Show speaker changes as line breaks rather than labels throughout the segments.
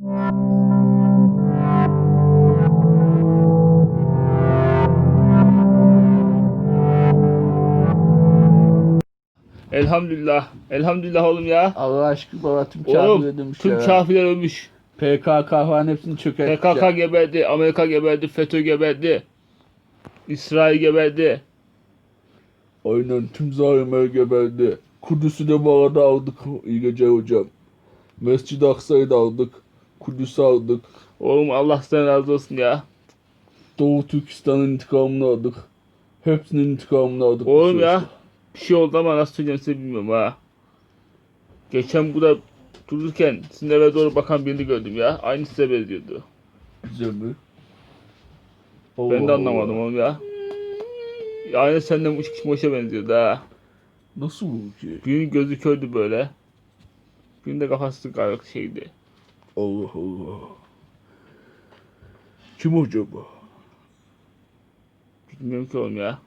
Elhamdülillah. Elhamdülillah oğlum ya.
Allah aşkına baba tüm
Oğlum
kafir demiş
tüm
ya.
kafirler ölmüş.
PKK falan hepsini çökertmiş
PKK
ya.
geberdi, Amerika geberdi, FETÖ geberdi. İsrail geberdi.
Aynen tüm zalimler geberdi. Kudüs'ü de bu arada aldık. İyi gece hocam. Mescid-i Aksa'yı da aldık. Kudüs'ü aldık.
Oğlum Allah senden razı olsun ya.
Doğu Türkistan'ın intikamını aldık. Hepsinin intikamını aldık. bu
Oğlum ya.
süreçte.
Bir şey oldu ama nasıl söyleyeceğim size bilmiyorum ha. Geçen burada dururken sizin eve doğru bakan birini gördüm ya. Aynı size benziyordu.
Güzel mi?
Ben de
Allah
anlamadım
Allah.
oğlum ya. Aynı senden uç kişimoşa benziyordu ha.
Nasıl bu ki?
Birinin gözü kördü böyle. Birinin de kafası garip şeydi.
Allah Allah. Kim acaba?
Bilmiyorum ki oğlum ya.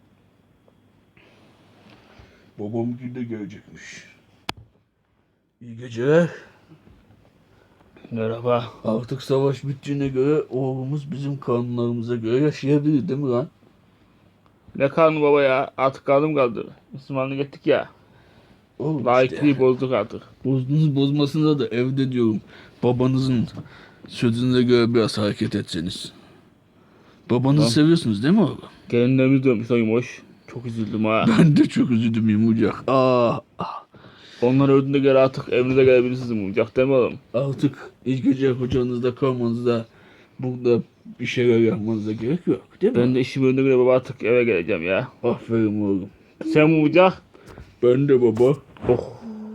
Babam de gelecekmiş. İyi geceler.
Merhaba.
Artık savaş bittiğine göre oğlumuz bizim kanunlarımıza göre yaşayabilir değil mi lan?
Ne karnı baba ya? Artık karnım kaldı. Müslümanlık ettik ya.
Oğlum
Laikliği
işte.
bozduk artık.
Bozdunuz bozmasına da evde diyorum. Babanızın sözüne göre biraz hareket etseniz. Babanızı
Tamam.
seviyorsunuz değil mi oğlum?
Gelinlerimiz dönmüş lan yumuş. Çok üzüldüm ha.
Ben de çok üzüldüm yumuşak.
Onlar öldüğünde göre artık evinize gelebilirsiniz yumuşak değil mi oğlum?
Artık ilk gece hocanızda kalmanızda burada bir şeyler yapmanıza gerek yok değil mi?
Ben de işim önüne göre baba artık eve geleceğim ya.
Aferin oğlum.
Sen yumuşak.
Ben de baba.
Oh.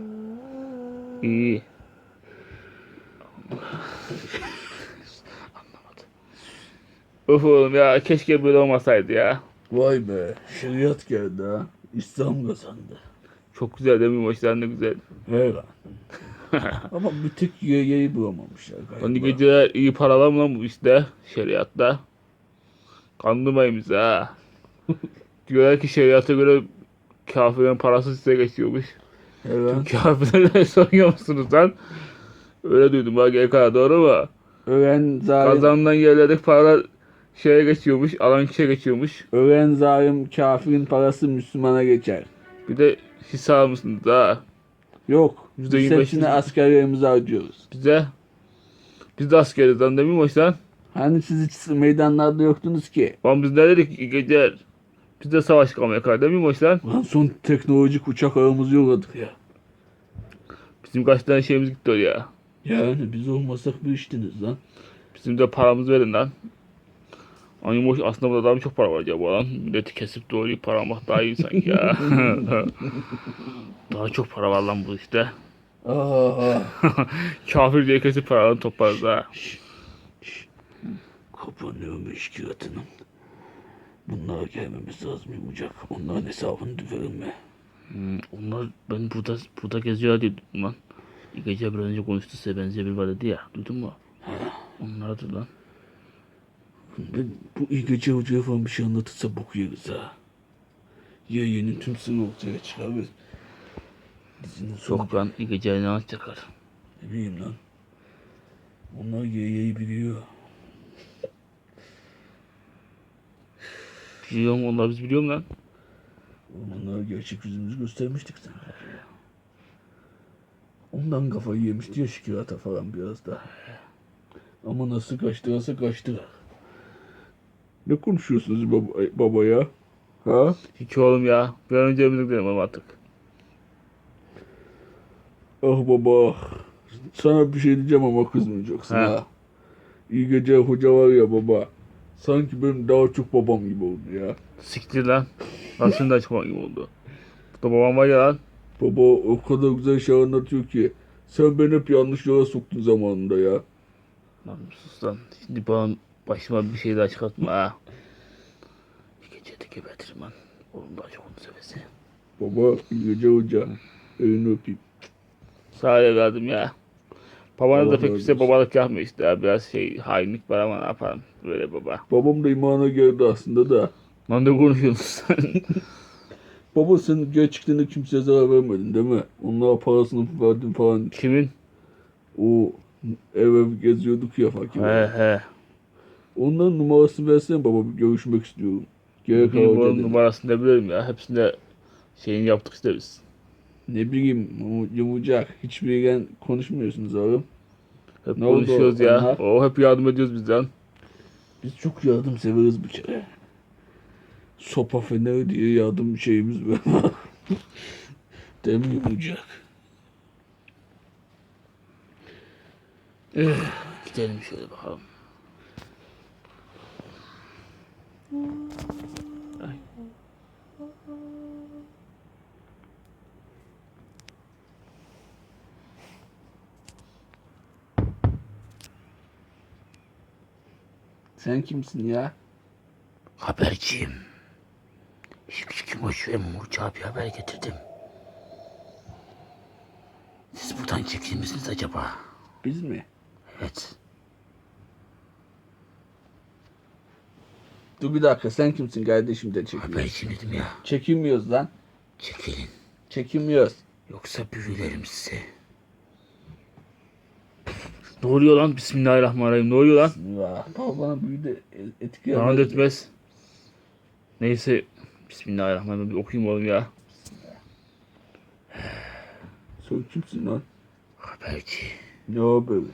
İyi. Anlamadım. Of oğlum ya keşke böyle olmasaydı ya.
Vay be. Şeriat geldi ha. İslam kazandı.
Çok güzel değil mi yumuşak ne güzel.
He lan. Ama bir tek yayı bulamamışlar galiba.
Hani geceler iyi para var mı lan bu işte şeriatta? Kandırmayın bizi ha. Diyorlar ki şeriata göre kafirin parası size geçiyormuş.
He lan.
Kafirlere soruyor musunuz lan? Öyle duydum ha GK doğru mu?
Ölen zalim,
Kazanılan yerlerdeki paralar şeye geçiyormuş, alan kişiye geçiyormuş.
ölen zalim kafirin parası Müslümana geçer.
Bir de hisse almışsınız ha.
Yok.
%25
Biz hepsini askerlerimize harcıyoruz.
Bize. Biz de askeriz lan değil mi hoş lan?
Hani siz hiç meydanlarda yoktunuz ki?
Lan biz ne dedik ki geceler? Biz de savaş kalmaya karar değil mi hoş lan?
Lan son teknolojik uçak ağımızı yolladık ya.
Bizim kaç tane şeyimiz gitti oraya.
Yani biz olmasak bir iştiniz lan.
Bizim de paramızı verin lan. Ay boş aslında burada daha çok para var acaba lan. Milleti kesip doğrayıp para almak daha iyi sanki ya. Daha çok para var lan bu işte.
Aa,
Kafir diye kesip paralarını toplarız ha.
kapanıyor meşkilatının. Bunlara gelmemiz lazım yumuşak. Onların hesabını verilme.
Onlar ben burada geziyor diye duydum lan. İlk gece bir önce konuştu size benziyor bir var dedi ya. Duydun mu? Onlardır lan.
Ben bu iyi gece hocaya falan bir şey anlatırsa boku yeriz ha. Yayının tüm sırrı ortaya çıkar ve dizinin sonu
Çok lan ilk gece ne anlatacaklar.
ne bileyim lan. Onlar yayayı biliyor.
Biliyorum onlar biz biliyorum lan.
Onlara gerçek yüzümüzü göstermiştik sana. Ondan kafayı yemişti ya şikayata falan biraz da. Ama nasıl kaçtırırsa kaçtırar. Ne konuşuyorsunuz baba ya? Ha?
Hiç oğlum ya. Bir an önce evimize gidelim ama artık.
Ah baba. Sana bir şey diyeceğim ama kızmayacaksın
Ha.
ha. İyi gece hoca var ya baba. Sanki benim daha çok babam gibi oldu ya.
Siktir lan. Nasıl da çıkmak gibi oldu. Burada babam var ya lan.
Baba o kadar güzel şey anlatıyor ki. Sen beni hep yanlış yola soktun zamanında ya.
Lan sus lan. Şimdi bana başıma bir şey daha çıkartma ha. Bir gece de gebertirim lan. Oğlum daha çok onu sevesi.
Baba iyi gece hoca. Elini öpeyim.
Sağ ol evladım ya. Babanız
Allah
da pek
razı
bize
olsun.
babalık yapmıyor işte ya. Biraz şey hainlik var ama ne yapalım. Böyle baba.
Babam da imana geldi aslında da.
Lan ne konuşuyorsun sen?
Baba sen gerçekten de kimseye zarar vermedin değil mi? Onlara parasını verdin falan.
Kimin?
O Ev geziyorduk ya fakir.
He.
Onların numarasını versene baba, bir görüşmek istiyorum. Gerek
Bugün
hava
bunun
dedi.
numarasını ne biliyorum ya. Hepsinde şeyini yaptık işte biz.
Ne bileyim yumuşak. Hiçbiriyle konuşmuyorsunuz oğlum.
Hep
Ne oldu
konuşuyoruz ya.
onlar?
O hep yardım ediyoruz bizden.
Biz çok yardım severiz bir kere. Sopa feneri diye yardım şeyimiz var. Değil mi yumuşak?
Gidelim şöyle bakalım. Ay.
Sen kimsin ya?
Haberciyim. Şık boş ve Murçağa bir haber getirdim. Siz buradan çekilir misiniz acaba?
Biz mi?
Evet.
Dur bir dakika, sen kimsin kardeşim de çekmiyoruz.
Haberciyim dedim ya.
Çekinmiyoruz lan.
Çekilin.
Çekinmiyoruz.
Yoksa büyülerim sizi. Ne oluyor lan? Bismillahirrahmanirrahim. Ne oluyor lan?
Ya, baba bana büyü de etki
Lanet
yapmaz.
etmez. Neyse. Bismillahirrahmanirrahim. Bir okuyayım oğlum ya.
Sen kimsin lan?
Haberci.
Ne haberi?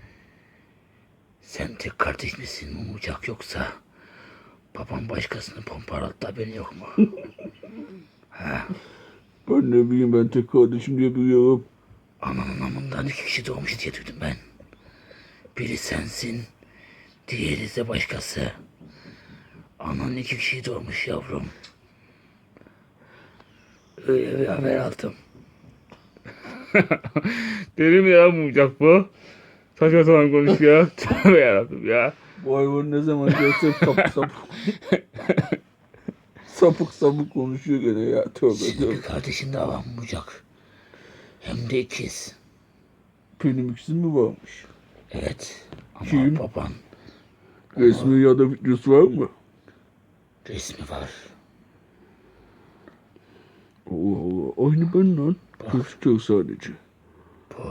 Sen tek kardeş misin Mumucak yoksa? Babam başkasını pompalattı, haberin yok mu?
Ben ne bileyim, ben tek kardeşim diye biliyorum.
Ananın amından 2 kişi doğmuş diye duydum ben. Biri sensin, diğeri de başkası. Anan 2 kişi doğmuş yavrum. Öyle bir haber aldım. Deli mi ya Mumucak bu? Saçma sapan konuşuyor. Tövbe yarabbim ya.
Bu hayvan ne zaman görsem sapık sapık konuşuyor gene ya. Tövbe
Senin
tövbe.
bir kardeşin daha var Mumucak. Hem de ikiz.
Benim ikisi mi varmış?
Evet. Ama
Kim?
baban
Resmi ya da videosu var mı?
resmi var.
Allah Allah. Aynı ben lan. Gözüküyor sadece.
Bu.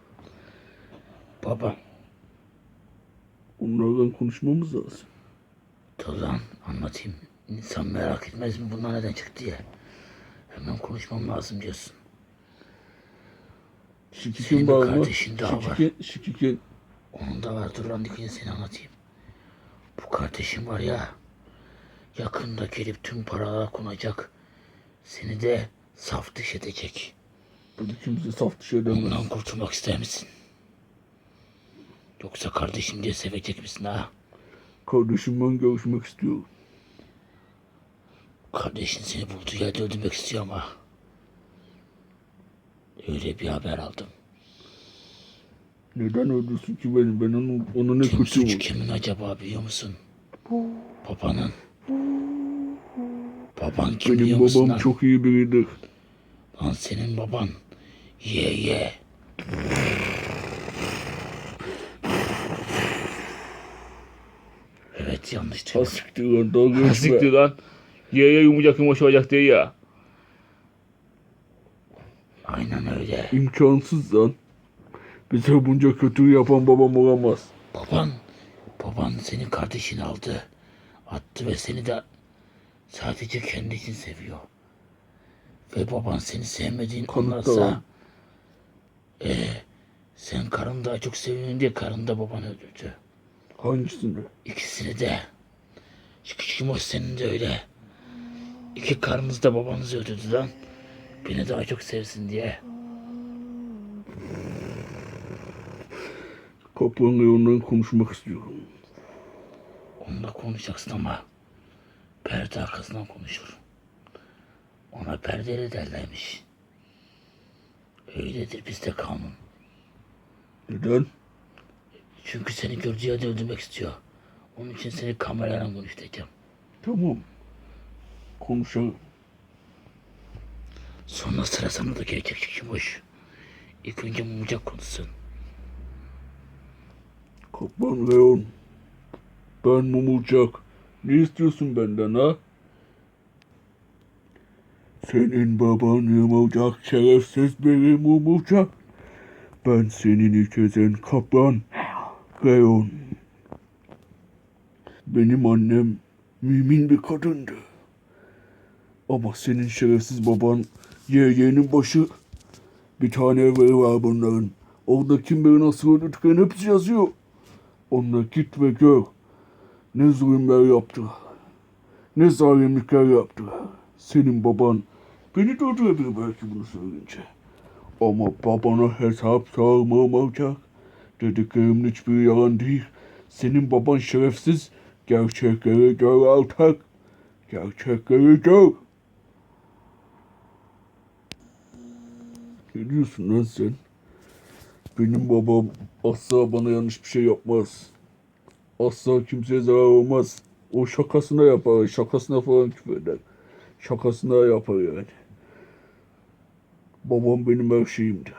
Baba.
Onlardan konuşmamız lazım.
Dur lan anlatayım. İnsan merak etmez mi bunlar neden çıktı diye. Hemen konuşmam lazım diyorsun. Senin
Şikikin
bir
var mı?
kardeşin daha var.
Şikikin.
Onun da var. Dur lan dikkat seni anlatayım. Bu kardeşim var ya. Yakında gelip tüm paralar konacak. Seni de saf dışı edecek.
Burada kimse saf dışı edemez.
Ondan kurtulmak ister misin? Yoksa kardeşim diye sevecek misin ha?
Kardeşimle görüşmek istiyorum.
Kardeşin seni bulduğu yerde öldürmek istiyor ama. Öyle bir haber aldım.
Neden öldürsün ki beni? Ben ona ne
Kim
kötü
suç
olur?
kimin acaba biliyor musun? Babanın. Baban kim
Benim
biliyor musun
babam
lan?
çok iyi biridir.
Lan senin baban. Ye. Evet yanlış duydum.
Siktir lan, dalga geçme.
Siktir lan. Ye yumuşak olacak diye ya. Aynen öyle.
İmkansız lan. Bize bunca kötü yapan babam olamaz.
Baban senin kardeşini aldı. Attı ve seni de sadece kendi için seviyor. Ve baban seni sevmediğini
Kanıtla
anlarsa
lan.
sen karını daha çok seviyorsun diye karını da baban öldürdü.
Hangisini?
İkisini de. Şu küçük moş senin de öyle. İki karınız da babanızı öldürdü lan. Beni daha çok sevsin diye.
Kaplanla ondan konuşmak istiyorum.
Onunla konuşacaksın ama perde arkasından konuşur. Ona perdeli derlermiş. Öyledir bizde kanun.
Neden?
Çünkü seni gördüğü yerde öldürmek istiyor. Onun için seni kamerayla konuşturacağım.
Tamam. Konuşalım.
Sonra sıra sana da gelecek Şikimoş. İlk önce Mumucak konuşsun.
Kaplan Leon. Ben Mumulcak. Ne istiyorsun benden ha? Senin baban Mumulcak, şerefsiz biri Mumulcak. Ben senin ilk ezen kaplan Leon. Benim annem mümin bir kadındı. Ama senin şerefsiz baban yeğenin başı. Bir tane evleri var bunların. Orada kim bilir nasıl öldürdüklerini hepsi yazıyor. Onunla git ve gör. Ne zulümler yaptılar. Ne zalimlikler yaptılar. Senin baban beni de öldürebilir belki bunu söyleyince. Ama babana hesap sormam olacak. Dediklerimin hiçbiri yalan değil. Senin baban şerefsiz. Gerçekleri gör altak. Gerçekleri gör. Ne diyorsun lan sen? Benim babam asla bana yanlış bir şey yapmaz. Asla kimseye zarar olmaz. O şakasına yapar, şakasına falan küfür eder. Şakasına yapar yani. Babam benim her şeyimdi.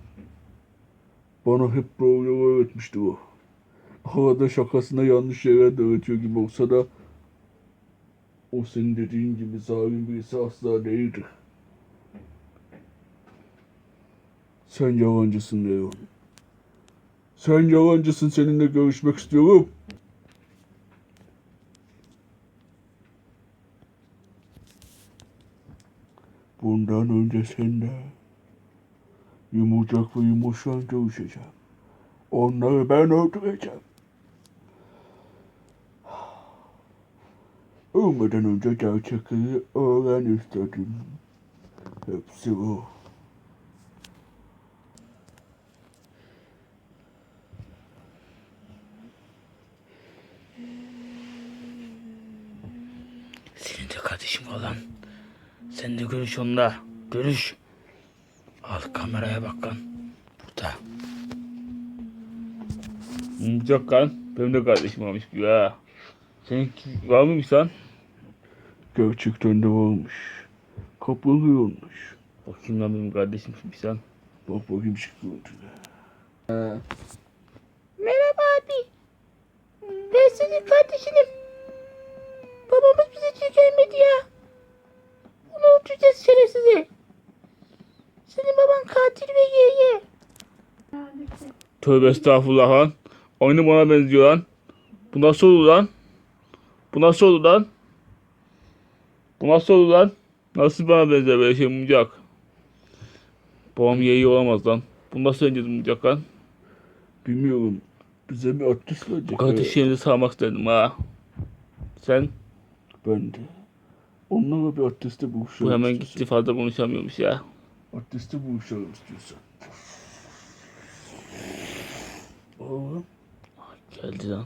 Bana hep doğru yolu öğretmişti o. Arada şakasına yanlış şeyler de öğretiyor gibi olsa da o senin dediğin gibi zalim birisi asla değildi. Sen yalancısın Leon. Sen yalancısın, seninle görüşmek istiyorum. Bundan önce seninle yumurcak ve yumuşak görüşeceğim. Onları ben öldüreceğim. Ölmeden önce gerçekleri öğren istedim. Hepsi o.
Senin de kardeşim olan. Sen de görüş onunla. Görüş. Al kameraya bak lan. Burada. Mumcak lan. Benim de kardeşim olmuş gibi ha. Senin var mıymış lan?
Gerçekten de varmış. Kaplanı olmuş.
Bakayım lan benim kardeşim kimmiş lan.
Bak bakayım şu görüntüne.
Merhaba abi. Ben senin kardeşinim. Babamız bize hiç gelmedi ya. Bunu öldüreceğiz şerefsizi. Senin baban katil ve yeğe. Tövbe estağfurullah lan. Aynı bana benziyor lan. Bu nasıl olur lan? Bu nasıl olur lan? Bu nasıl olur lan? Nasıl bana benzer böyle şey mumcak? Babam yeğe olamaz lan. Bu nasıl önce mumcak lan?
Bilmiyorum. Bize bir artist
Bu
verecek.
kardeşlerimizi sağmak istedim ha. Sen?
Ben de. Onlarla bir artiste buluşalım
Bu hemen
istiyorsan.
gitti fazla konuşamıyormuş ya.
Artiste buluşalım istiyorsan. Oğlum.
Geldi lan.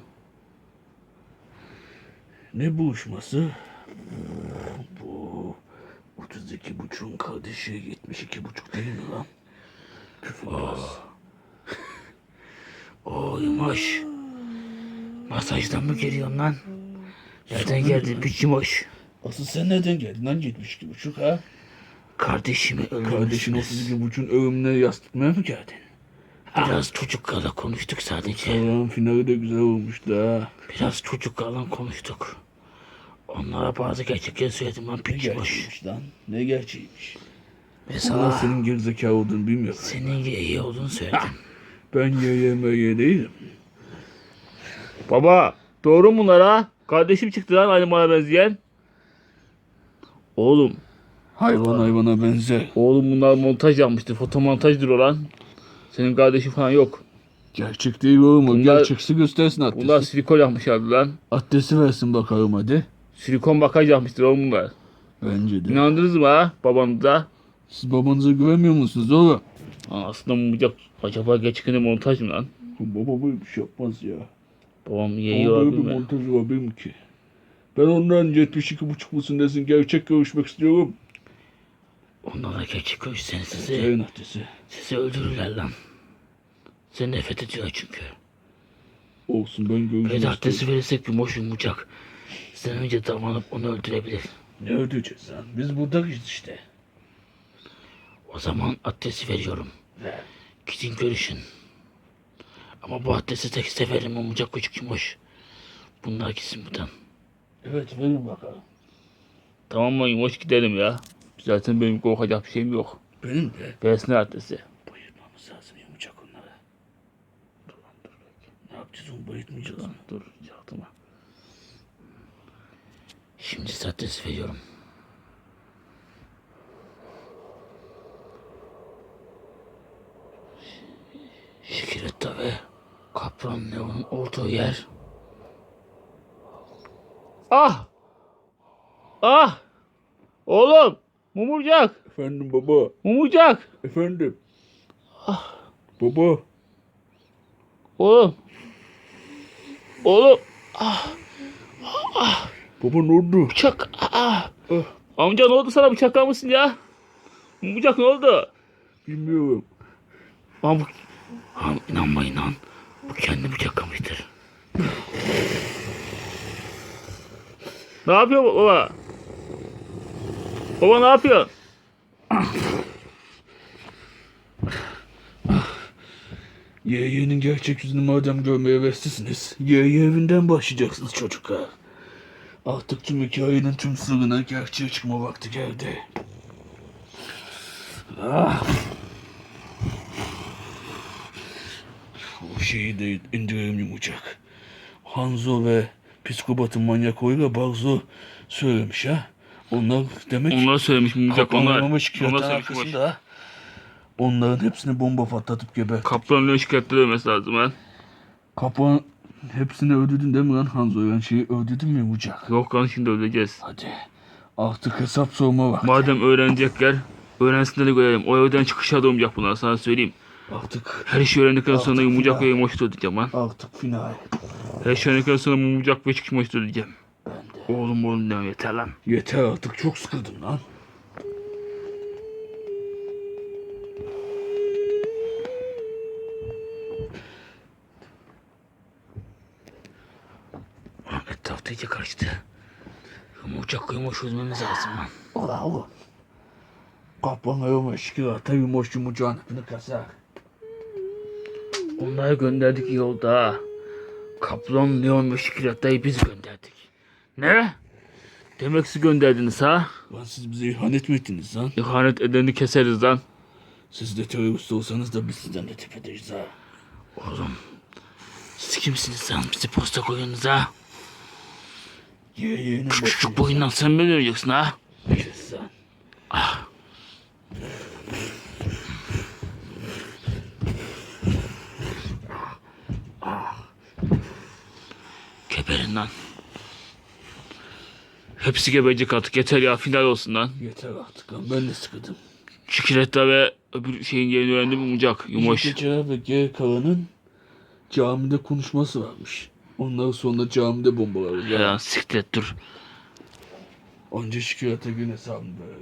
Ne buluşması? Bu 32,5'un kardeşi 72,5 değil mi lan? Küfürbaz.
Yumuş. Masajdan mı geliyorsun lan? Nereden geldin bir yumuş?
Asıl sen nereden geldin lan 72,5 ha?
Kardeşimi
Kardeşin
öldürmüşsünüz.
32,5'un ölümüne yastıkmaya mı geldin?
Biraz çocuklarla konuştuk sadece.
Allah'ın finali de güzel olmuştu ha.
Biraz çocuklarla konuştuk. Onlara bazı gerçekleri söyledim lan
Ne
piç boş.
gerçeğiymiş lan? Ne gerçeğiymiş?
Ve
Allah
sana
senin gerizekalı olduğunu bilmiyorum.
senin iyi olduğunu söyledim.
Ben ye değilim.
Baba doğru mu bunlar ha? Kardeşim çıktı lan aynı bana benzeyen. Oğlum.
Hayvan hayvana benzer.
Oğlum bunlar montaj yapmıştır. Fotomontajdır o lan. Senin kardeşin falan yok.
Gerçek değil oğlum. O
Bunlar-
gerçeksi göstersin adresi.
Bunlar silikon yapmışlardı lan.
Adresi versin bakalım hadi.
Silikon bakaj yapmıştır oğlum bunlar.
Bence de.
İnandınız mı ha babanıza?
Siz babanıza güvenmiyor musunuz oğlum?
Aslında mumcak acaba gerçekten montaj mı lan?
Baba böyle bir şey yapmaz ya.
Babam yeği
Ama böyle
olabilir
bir
mi?
montaj olabilir mi ki? Ben ondan 72,5 musun desin. Gerçek görüşmek istiyorum.
Onlarla gerçek görüşseniz sizi,
Yayın adresi.
sizi öldürürler lan. Seni nefret ediyor çünkü.
Olsun ben görüşmek
Ve de adresi
istiyorum.
verirsek yumuş yumacak. Sen önce davranıp onu öldürebilir.
Ne ödeyeceğiz lan? Biz buradayız işte.
O zaman adresi veriyorum.
Ver.
Gidin görüşün. Ama bu adresi tek seferim yumacak küçük yumuş. Bunlar gitsin buradan.
Evet verin bakalım.
Tamam mı yumuş gidelim ya. Zaten benim korkacak bir şeyim yok.
Benim de
Versin adresi.
bayılmamız lazım yumuşak onları. zomba etmeyeceğiz.
Lan dur çaktırma. Şimdi adres veriyorum. Şikiretta ve Kaplan Leon'un olduğu yer. Ah! Ah! Oğlum! Mumurcak!
Efendim baba.
Mumurcak!
Efendim. Baba.
Oğlum! Oğlum!
Baba ne oldu?
Bıçak! Amca ne oldu sana, bıçaklamışsın ya? Mumurcak ne oldu?
Bilmiyorum.
Ama bu... inanmayın lan. Bu kendi bıçaklamıştır. Ne yapıyor baba? Baba ne yapıyor?
Yeğenin gerçek yüzünü madem görmeye heveslisiniz, Yeğe evinden başlayacaksınız çocuklar. Artık tüm hikayenin tüm sırrına gerçeğe çıkma vakti geldi. O şeyi de indirelim yumuşak. Hanzo ve psikopatın manyak oyla Barzo söylemiş ha. Onlar demek
Onlar söylemiş Mumurcak, onlar.
Kaplanlama şikayetin
söylemiş.
arkasında. Onların hepsini bomba patlatıp geber.
Kaplanın şikayetleri ölmesi lazım ha.
Kaplan hepsini öldürdün değil mi lan Hanzo? Yani şeyi öldürdün mü yumuşak?
Yok lan, şimdi öleceğiz.
Hadi. Artık hesap sorma vakti.
Madem öğrenecekler, öğrensinler de görelim. O evden çıkışa da olmayacak bunlar, sana söyleyeyim.
Artık
Her şeyi öğrendikten sonra
Artık
Mumurcak
final.
ve Emoş'u ödeyeceğim lan.
Artık final.
Her şeyi öğrendikten sonra Mumurcak ve çıkış Emoş'u ödeyeceğim. Oğlum deme, yeter lan.
Yeter artık, çok sıkıldım lan.
Etrafta iyice karıştı. Mumurcak ve Emoş'u ödememiz lazım lan.
Ola oğlum. Kaplan ayırma şikayete yumuş yumuşağın hepini kasar.
Onları gönderdik yolda. Kaplan, Leon ve Şikirata'yı biz gönderdik. Ne? Demek siz gönderdiniz ha?
Lan siz bize ihanet mi ettiniz lan?
İhanet edeni keseriz lan.
Siz de terörist olsanız da biz sizden de tepedeyiz ha.
Oğlum, siz kimsiniz lan? Bizi posta koyuyorsunuz ha?
Yeğenin
Küçük boyundan sen mi öleceksin ha?
Kes lan.
Geberin lan. Hepsi geberecek artık, yeter ya, final olsun lan.
Yeter artık lan, ben de sıkıldım.
Şikiretta ve öbür şeyin yerini öğrendim, Mumurcak, Yumoş.
Gece ve geri kalanın camide konuşması varmış. Ondan sonra camide bombalar.
Ya siktir et, dur.
Anca şikayete gün hesabını böyle.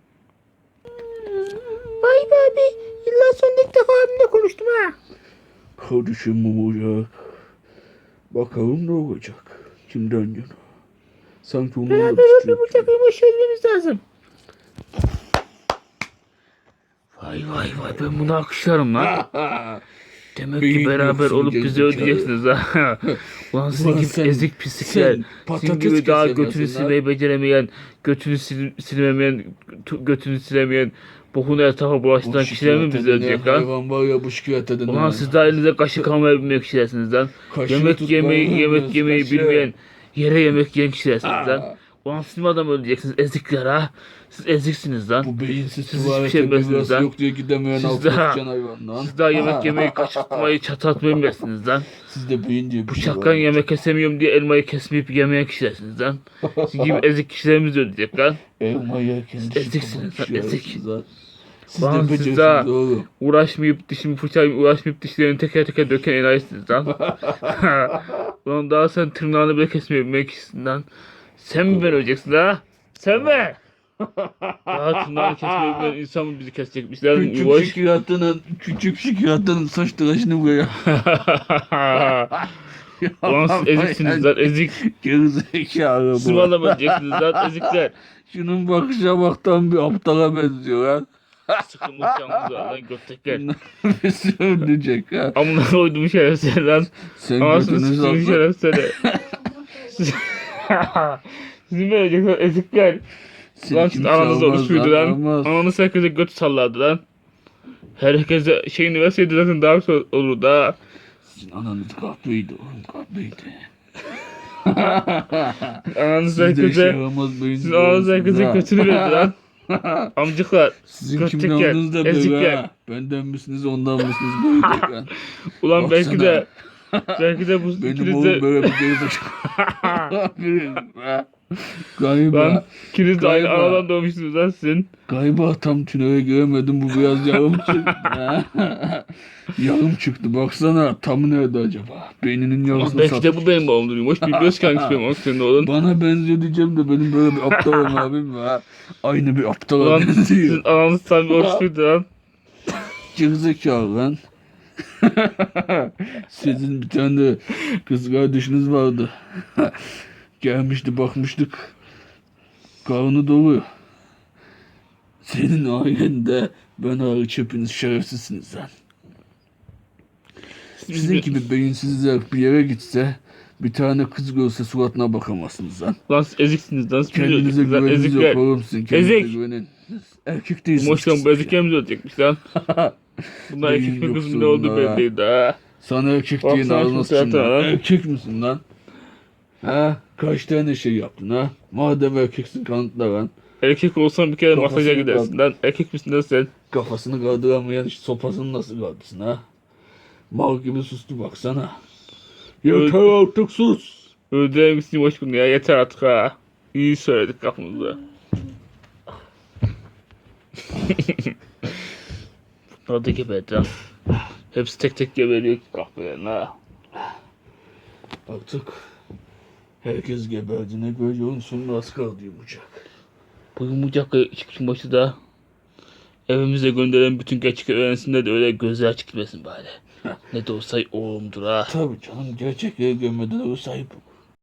Vay be abi, yıllar sonra ilk defa abimle konuştum ha.
Kardeşim Mumurcak. Bakalım ne olacak. Kimden yana? Sanki onun da bir suçu yok.
Yumoş'u ölmemiz lazım. Vay ben bunu alkışlarım lan. Demek ki
Beyin
beraber
yoksun
olup bizi
gerizekalı.
ödeyeceksiniz ha. Ulan sizin
Ulan
gibi
sen-
ezik pislikler.
sen
Sizin
patates
gibi daha
kesemezsin
götünü
lan.
silmeyi beceremeyen, götünü silmemeyen, götünü silemeyen, bokunu etrafa bulaştıran kişiler mi bizi ödeyecek lan?
Hayvan var ya bu şikayete
Ulan siz daha elinize kaşık almayı bilmeyen kişilersiniz lan.
Kaşığı
Yemek
tut,
yemeyi
bağırıyorsun, kaşığı.
bilmeyen, yere yemek yiyen kişilersiniz lan. Ulan siz mi adam öldüreceksiniz, ezikler ha? Siz eziksiniz lan.
Bu beyinsiz
Siz hiçbir
tuvalete
şey bilmezsiniz
biraz
lan.
yok diye gidemeyen
Siz
altı
daha-
sıçan hayvan lan.
Siz daha yemek yemeyi, kaşıtmayı, çatatmayı bilmezsiniz lan.
Sizde beyin diye bir şey
Bıçaktan
var.
yemek kesemiyorum diye elmayı kesmeyip yemeyen kişilersiniz lan. Sizin gibi ezik kişilerimiz ödeyecek lan.
Elma yerken
Siz
dişi
eziksiniz
kabuğu
lan, ezik.
düşüyorsunuz lan. Siz
Lan
de
siz
beceriksiniz
daha-
oğlum.
Uğraşmayıp dişimi fırçalayıp uğraşmayıp dişlerini teker teker döken enayisiniz lan. Ulan daha sen tırnağını bile kesmeyi bilmeyen kişisin lan. Sen mi ben öleceksin ha? Sen mi? Daha tırnağını kesmeyi bilmeyen insan mı bizi kesecekmiş lan? Yuvaş.
Küçük şikayetin saç tıraşını buraya.
Ulan siz eziksiniz lan, ezik.
Gerizekalı
Siz
bu.
bana öleceksiniz lan, ezikler.
Şunun bakışa baktan bir aptala benziyor lan.
Sıkılmış yalnız lan göttekler.
Nefesi ölecek ha.
Amına koydum şerefsiz lan.
Sen
Anasını
götünü
sıçtım
salsa.
şerefsiz. Sizin böyle olacaklar, ezikler. Lan siz ananız oruç muydu lan? Ananız herkese götü sallardı lan. Herkese şeyini verseydi zaten daha güzel olurdu ha.
Sizin ananız kahveydi oğlum, kahveydi.
Ananız
Siz de işe
herkese,
yaramaz beyinsiz
sizin ananız herkese
olmuşsunuz ha.
kötülük ediyor lan. Amcıklar.
Sizin
kötülük
kimden
yer,
olduğunuz da
ezik
böyle
yer.
ha. Benden misiniz ondan mısınız böyle lan.
Ulan belki
Baksana.
de bu
Benim
ikiniz
oğlum
de
böyle bir gerizekalı. Galiba.
lan ikiniz de aynı
Galiba.
anadan doğmuşsunuz lan sizin.
Galiba tam tünele giremedim, bu biraz yarım çıktı. Yarım çıktı baksana, tam nerede acaba? Beyninin
Ulan
yarısını
belki
satmış.
de bu benim oğlumdurmuş. Bilmiyoruz ki hangisi benim oğlum senin oğlun.
Bana benziyor diyeceğim de benim böyle bir aptal abim var. Aynı bir aptala
Ulan
benziyor.
sizin ananız tam bir oruçluydu lan.
Gerizekalı lan. Sizin bir tane de kız kardeşiniz vardı. Gelmişti, bakmıştık. Karnı dolu. Senin ailende ben hariç hepiniz şerefsizsiniz lan. Sizin gibi beyinsizler bir yere gitse bir tane kız görse suratına bakamazsınız lan.
Lan siz eziksiniz lan. Siz
Kendinize
biliyorsunuz lan
güveniniz yok
ezikler.
oğlum, sizin kendinize
Ezik.
güvenin. Erkek değilsiniz.
Moştan bu eziklerimiz ölecekmiş lan. Bunlar
Beyin
erkek mi kız mı
yoksa
ne oldu
bunlar
belli
ha.
değil ha.
Sana erkek
Baksana
diye
şu
ağzına sıçayım
suratına
lan.
lan.
Erkek misin lan? Ha? Kaç tane şey yaptın ha? Madem erkeksin kanıtla lan.
Erkek olsan bir kere
Kafasını
masaja gidersin lan. Erkek misin lan sen?
Kafasını kaldıramayan işte sopasını nasıl kaldırsın ha? Mal gibi sustu baksana. Yeter artık sus.
Öldürelim gitsin boş bunu ya. Yeter artık ha. İyi söyledik kafamızda. Bunlar da geberdi lan. Hepsi tek tek geberiyor kahvelerin ha.
Artık herkes geberdiğine göre yolun sonuna az kaldı yumuşak.
Bu yumurcak çıkışın başı da evimize gönderen bütün gerçek öğrensinler de öyle gözler açık gitmesin bari. Ne de olsa oğlumdur ha.
Tabii canım, gerçekleri görmeden o sahip